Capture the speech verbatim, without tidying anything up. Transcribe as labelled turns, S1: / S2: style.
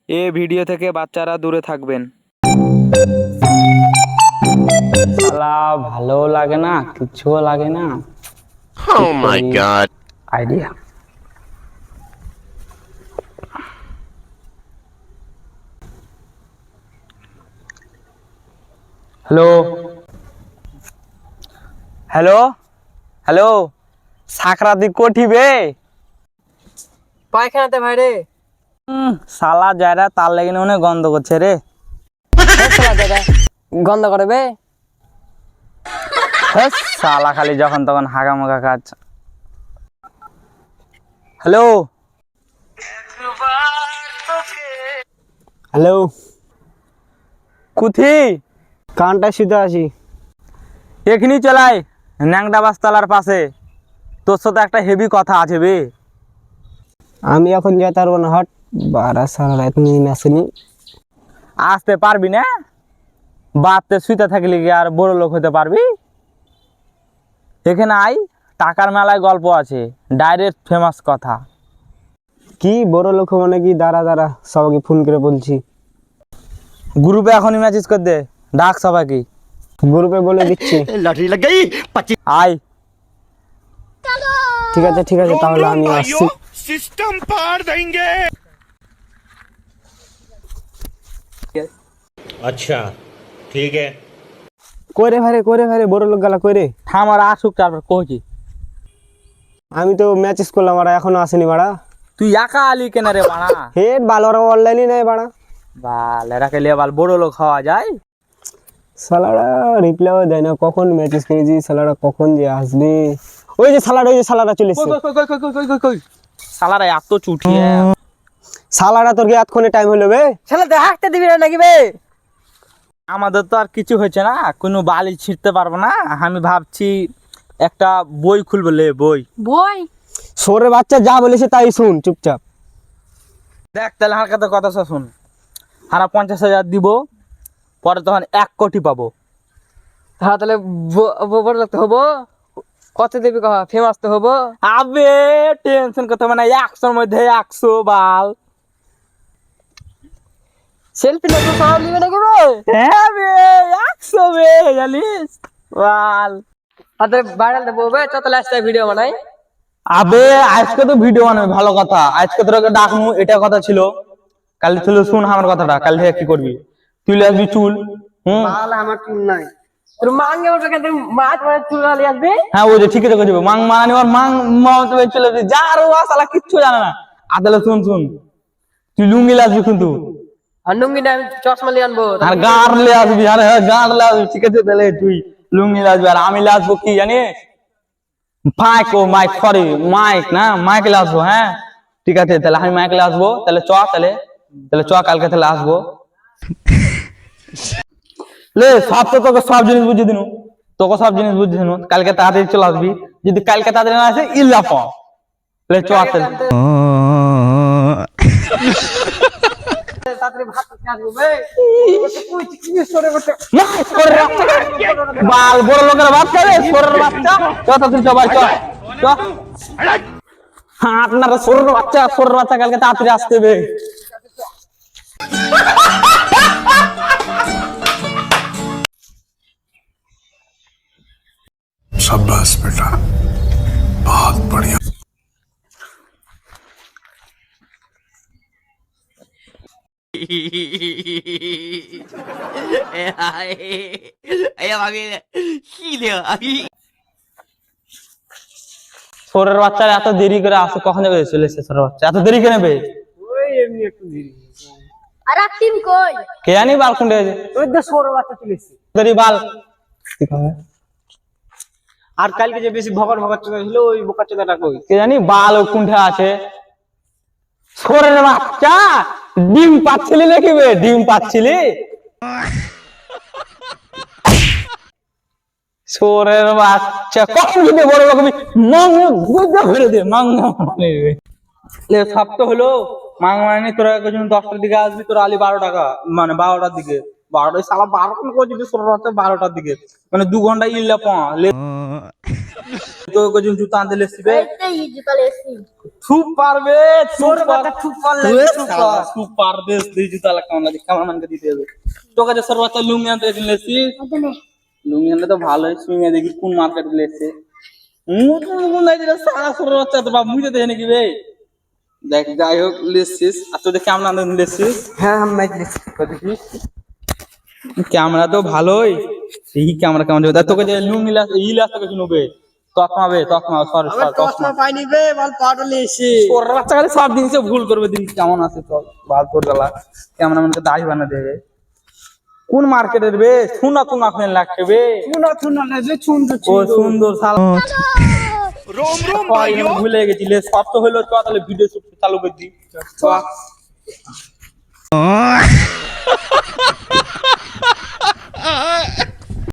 S1: এ video থেকে বাচ্চারা দূরে থাকবেন।
S2: শালা ভালো লাগে না, কিছুও লাগে না।
S3: Oh my god.
S2: Idea. Hello hello hello সাকরাতি কোঠিবে
S4: পায়খানাতে ভাই রে।
S2: হুম শালা যায়রা তার লেগে অনেক গন্ধ করছে রে।
S4: গন্ধ করবে
S2: হেস, শালা খালি যখন তখন হাগামাগা কাজ। হ্যালো
S4: হ্যালো
S2: কুথি
S4: কানটা শুধু আছি।
S2: এখনই চলাই ন্যাংটা বাসতলার পাশে, তোর সাথে একটা হেভি কথা আছে বে।
S4: আমি এখন যেতে পারবো না, হট বারা সারা রাত নিয়ে আসেনি।
S2: আসতে পারবি না? বাড়তে শুইতে থাকলে কি আর বড় লোক হতে পারবি? এখানে আই, টাকার মেলায় গল্প আছে, ডাইরেক্ট ফেমাস কথা।
S4: কি বড় লোক মানে কি? দাঁড়া দাঁড়া, সবাইকে ফোন করে বলছি।
S2: গ্রুপে এখনই মেসেজ করে দে, ডাক সবাইকে।
S4: গ্রুপে বলে দিচ্ছি।
S3: लॉटरी लग गई पच्चीस।
S2: আই
S4: ঠিক আছে ঠিক আছে, তাহলে আমি আসছি।
S3: सिस्टम पार देंगे। अच्छा ठीक है।
S4: করে ভারে করে ভারে বড় লোক গালা করে।
S2: আমার আসুক তারপর কইছি।
S4: আমি তো ম্যাচেস করলাম, আর এখনো আসেনি বাড়া।
S2: তুই একা আলি কেন রে বাড়া?
S4: হেড বালোরা অনলাইনই নাই বাড়া।
S2: বাল এরাকে লিয়ে বাল বড় লোক হওয়া যায়?
S4: সালারা রিপ্লাইও দেয় না, কখন ম্যাচেস করেছি, সালারা কখন যে আসবে। ওই যে সালারা, ওই যে সালারা চলে এসছে।
S2: শালারা এত চুটিয়ে।
S4: সালারা তোর কি এতক্ষণে টাইম হলো বে?
S2: শালা দেখাতে দিবি না নাকি বে? আমাদের তো আর কিছু হয়েছে না, কোনো বালি ছিঁড়তে পারবো না। আমি ভাবছি একটা বই খুলবো, লে বই।
S4: বই সরে বাচ্চা যা বলেছে তাই শুন চুপচাপ।
S2: দেখ তাহলে হালকাতে কথা শুন। হারা পঞ্চাশ হাজার দিব, পরে তখন এক কোটি পাবো।
S4: হ্যাঁ তাহলে বড় লোক তো হবো। কত দেবি কহ, ফেমাস তো হবো।
S2: আবে টেনশন করতে মানে একশোর মধ্যে একশো বাল।
S4: সেলফি না তো সব নিবে নাকি বে?
S2: হ্যাঁ বে একশো বে, জানিস বাল।
S4: আরে ভাইরাল দেবো বে, চল তাহলে আসতে ভিডিও বানাই।
S2: আবে আজকে তো ভিডিও বানাবে, ভালো কথা। আজকে তোকে ডাকমু, এটা কথা ছিল। কাল ছিল, শুন আমার কথাটা। কাল থেকে কি করবি, তুই লিয়ে আসবি চুল। হুম
S4: তাহলে আমার চুল নাই, তোর মাঙ্গে ওটা কেন মাছ মানে চুল আলি আসবে।
S2: হ্যাঁ ওই যে ঠিকই রেখে যাবো। মাং মারানি ওর মাং মামাতে চলে যাবি, যার ও শালা কিচ্ছু জানে না। আদালে শুন শুন, তুই লুঙ্গি লিয়ে আসবি কিন্তু,
S4: আর নুঙ্গি না, আমি চশমা লিয়ে আনবো।
S2: আর গাঁড় লিয়ে আসবি। আরে হ্যাঁ গাঁড় লিয়ে আসবি, ঠিক আছে। তাহলে তুই লুঙ্গি লিয়ে আসবি, আর আমি লিয়ে আসবো কি জানিস? মাইক। ও মাইক, সরি মাইক না, মাইক লিয়ে আসবো। হ্যাঁ ঠিক আছে, তাহলে আমি মাইক লিয়ে আসবো। তাহলে চ তাহলে তাহলে চ কালকে তাহলে আসবো। লে সব তো তোকে সব জিনিস বুঝিয়ে দিনু, তোকে সব জিনিস বুঝিয়ে দিনু। কালকে তাড়াতাড়ি চলে আসবি। যদি কালকে তাড়াতাড়ি না আসে ইল্লা প লে চ তাহলে।
S4: তাড়াতাড়ি ভাত খেতে আসবো বে। কই কি সরে বসে
S2: না, সরের বাচ্চা। বাল বড় লোকের বাচ্চা রে, সরের বাচ্চা। চ তাড়াতাড়ি চ ভাই, চ চ। হ্যাঁ আপনারা সরের বাচ্চা, সরের বাচ্চা কালকে তাড়াতাড়ি আসতে হবে।
S5: शाबाश बेटा, बहुत बढ़िया।
S2: সরের বাচ্চারা এত দেরি করে আসে, কখন যাবে? চলে এসে সরের বাচ্চা এত দেরি কেন বে?
S4: ওই এমনি একটু দেরি।
S6: আর টিম কই?
S2: কে জানি বাল কোনটা হয়েছে
S4: ওই যে সরে বাচ্চা চলেছে।
S2: দেরি বাল।
S4: আর কালকে যে বেশি ভগর ভগর চলে ছিল, ওই বোকা চোদাটা কই?
S2: কে জানি বাল ও কোনটা আছে। সরের বাচ্চা ডিম পাচ্ছিলি নাকি বে? ডিম পাচ্ছিলি? সরের বাচ্চা কখন যদি বড় লোক মাং গুজা ভরে দে মাং মানে লে। সব তো হলো মাং মানে তোরা একজন দশটার দিকে আসবি, তোর আলি বারো টাকা মানে বারোটার দিকে। বারোটা সালা বারোটা করে যদি সরের বাচ্চা বারোটার দিকে, মানে দু ঘন্টা ইল্লা পা লে। তো কজন জুতা আনতে লেসিবে
S6: এইতে ই জুতা লেসি
S2: খুব পারবে
S4: তোর কথা খুব পারলে খুব পার।
S2: খুব পারবে তুই জুতা লাগা কেমন লাগে ক্যামেরাম্যানকে দিতে হবে তোকে যে সর্বোচ্চ লুঙ্গি আনতে লেসি
S6: আদনে
S2: লুঙ্গি আনলে তো ভালোই সুইঙে দেখি কোন মার্কেট লেসে মুখ মুখ নাই দিলে সারা সর্বোচ্চ তো বাপ মুইতে দেখে নাকি বে দেখ যাই হোক লেসিস আর তোদের কেমন আনতে লেসিস
S4: হ্যাঁ আমি ম্যাচ দেখছি
S2: দেখিস ক্যামেরা তো ভালোই এই ক্যামেরা কেমন যাবে তোকে যে লুঙ্গি লাস ই লাস তোকে শুনবে তকমাবে তকমা সরি সরি তকমা
S4: পাইনি বে বল পাটলে এসে
S2: ওর বাচ্চা খালি সব জিনিসে ভুল করবে দিন কেমন আছে তো বাল তোর গলা ক্যামেরাম্যানকে দাড়ি বানা দেবে কোন মার্কেটের বে সোনা তো না ফেন লাগছে বে
S4: তুনা তুনা না যে সুন্দর
S2: ও সুন্দর শালা
S3: रोम रोम
S2: ভাই ভুলে গেছিলে সব তো হলো চ তাহলে ভিডিও শুট চালু করে দি চ